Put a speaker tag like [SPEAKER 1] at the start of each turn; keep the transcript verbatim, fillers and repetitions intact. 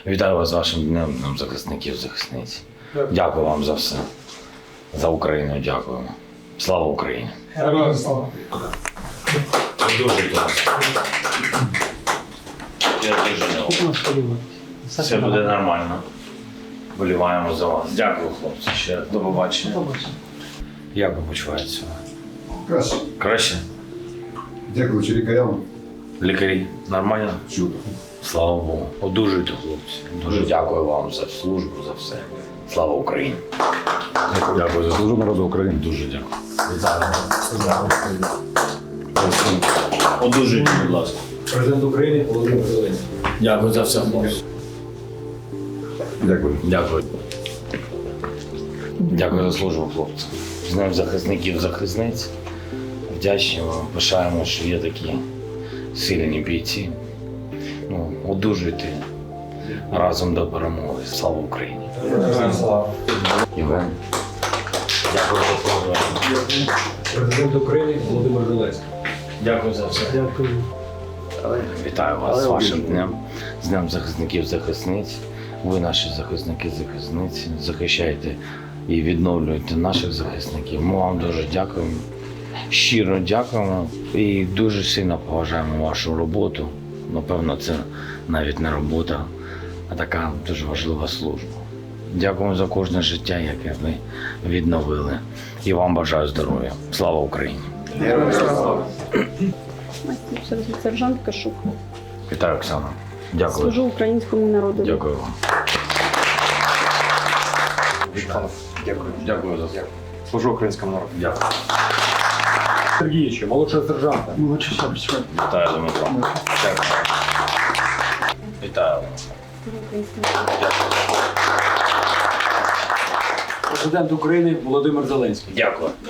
[SPEAKER 1] Вітаю вас з вашим днем, днем захисників, захисниць. Дякую вам за все. За Україну дякуємо. Слава Україні!
[SPEAKER 2] Героям слава!
[SPEAKER 1] Дуже класно. Я дуже не все буде нормально. Боліваємо за вас. Дякую, хлопці. Ще до побачення. Як ви почуваєтеся?
[SPEAKER 3] Краще.
[SPEAKER 1] Краще?
[SPEAKER 3] Дякуючи лікарям.
[SPEAKER 1] Лікарі? Нормально?
[SPEAKER 3] Чудо.
[SPEAKER 1] Слава Богу. Одужуйте, хлопці. Дуже дякую вам за службу, за все. Слава Україні. Дякую за службу народу України. Дуже дякую. Одужуйте, будь ласка.
[SPEAKER 2] Президент України Володимир Зеленський.
[SPEAKER 1] Дякую за все, хлопці.
[SPEAKER 3] Дякую.
[SPEAKER 1] Дякую. Дякую за службу, хлопці. З Днем захисників, захисниць. Вдячні вам, пишаємо, що є такі сильні бійці. Ну, одужуйте разом до перемоги. Слава Україні.
[SPEAKER 2] Героям слава!
[SPEAKER 1] Євген. Дякую за службу.
[SPEAKER 2] Президент України Володимир Зеленський.
[SPEAKER 1] Дякую за все.
[SPEAKER 2] Дякую.
[SPEAKER 1] Вітаю вас з вашим днем, з Днем захисників, захисниць. Ви наші захисники, захисниці. Захищаєте і відновлюєте наших захисників. Ми вам дуже дякуємо. Щиро дякуємо і дуже сильно поважаємо вашу роботу. Напевно, це навіть не робота, а така дуже важлива служба. Дякуємо за кожне життя, яке ви відновили. І вам бажаю здоров'я. Слава Україні!
[SPEAKER 3] Героям слава!
[SPEAKER 4] Сержант Кашук.
[SPEAKER 1] Вітаю, Оксана. Дякую.
[SPEAKER 4] Служу українському народу.
[SPEAKER 1] Дякую вам.
[SPEAKER 5] Дякую.
[SPEAKER 1] Дякую за це.
[SPEAKER 5] Служу українському народу.
[SPEAKER 1] Дякую.
[SPEAKER 2] Сергійовичу, молодшого сержанта.
[SPEAKER 4] Молодший сержант.
[SPEAKER 1] Вітаю, Дмитро. Дякую. Вітаю.
[SPEAKER 2] Президент України Володимир Зеленський.
[SPEAKER 1] Дякую.